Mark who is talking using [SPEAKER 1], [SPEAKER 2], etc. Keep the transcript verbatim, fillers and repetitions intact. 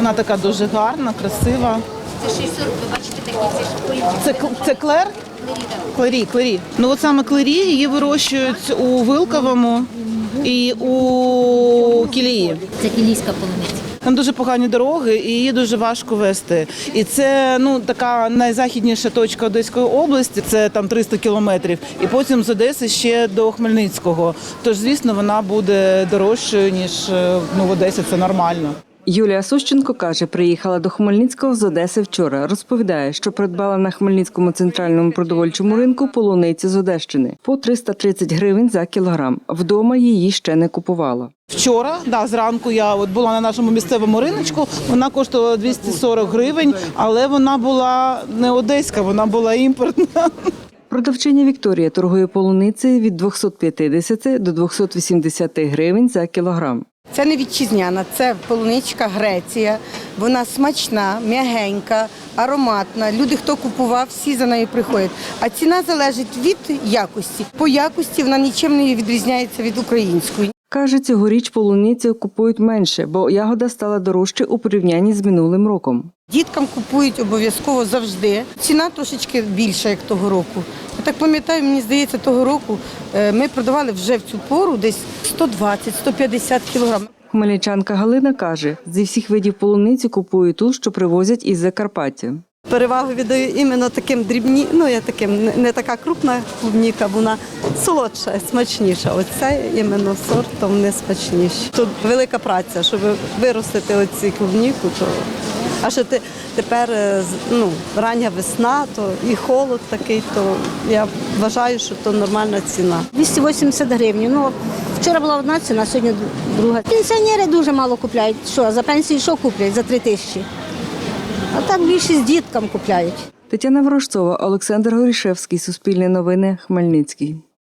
[SPEAKER 1] Вона така дуже гарна, красива.
[SPEAKER 2] Це ще й сорок, ви бачите такі ці шпильки.
[SPEAKER 1] Це, це клер? Клері, клері. Ну от саме клері її вирощують у Вилковому і у Кілії.
[SPEAKER 2] Це кілійська полуниця.
[SPEAKER 1] Там дуже погані дороги і її дуже важко вести. І це ну така найзахідніша точка Одеської області, це там триста кілометрів. І потім з Одеси ще до Хмельницького. Тож, звісно, вона буде дорожчою, ніж ну, в Одесі, це нормально.
[SPEAKER 3] Юлія Сущенко каже, приїхала до Хмельницького з Одеси вчора. Розповідає, що придбала на Хмельницькому центральному продовольчому ринку полуниці з Одещини по триста тридцять гривень за кілограм. Вдома її ще не купувала.
[SPEAKER 1] Вчора, да, зранку я от була на нашому місцевому риночку, вона коштувала двісті сорок гривень, але вона була не одеська, вона була імпортна.
[SPEAKER 3] Продавчиня Вікторія торгує полуницею від двохсот п'ятдесяти до двохсот вісімдесяти гривень за кілограм.
[SPEAKER 4] Це не вітчизняна, це полуничка Греція. Вона смачна, м'ягенька, ароматна. Люди, хто купував, всі за нею приходять. А ціна залежить від якості. По якості вона нічим не відрізняється від української.
[SPEAKER 3] Каже, цьогоріч полуницю купують менше, бо ягода стала дорожче у порівнянні з минулим роком.
[SPEAKER 4] Діткам купують обов'язково завжди. Ціна трошечки більша, як того року. Я так пам'ятаю, мені здається, того року ми продавали вже в цю пору десь сто двадцять - сто п'ятдесят кілограм.
[SPEAKER 3] Хмельничанка Галина каже, зі всіх видів полуниці купує ту, що привозять із Закарпаття.
[SPEAKER 5] Перевагу віддаю іменно таким дрібні, ну я таким не така крупна клубніка, вона солодша, смачніша. Оця іменно сортом не смачніша. Тут велика праця, щоб виростити оці клубніку, то а ще те, тепер ну, рання весна, то і холод такий, то я вважаю, що то нормальна ціна.
[SPEAKER 6] двісті вісімдесят гривень. Ну, вчора була одна ціна, сьогодні друга. Пенсіонери дуже мало купляють. Що, за пенсію що куплять? За три тисячі. А так більшість діткам купляють.
[SPEAKER 3] Тетяна Ворожцова, Олександр Горішевський, Суспільне новини, Хмельницький.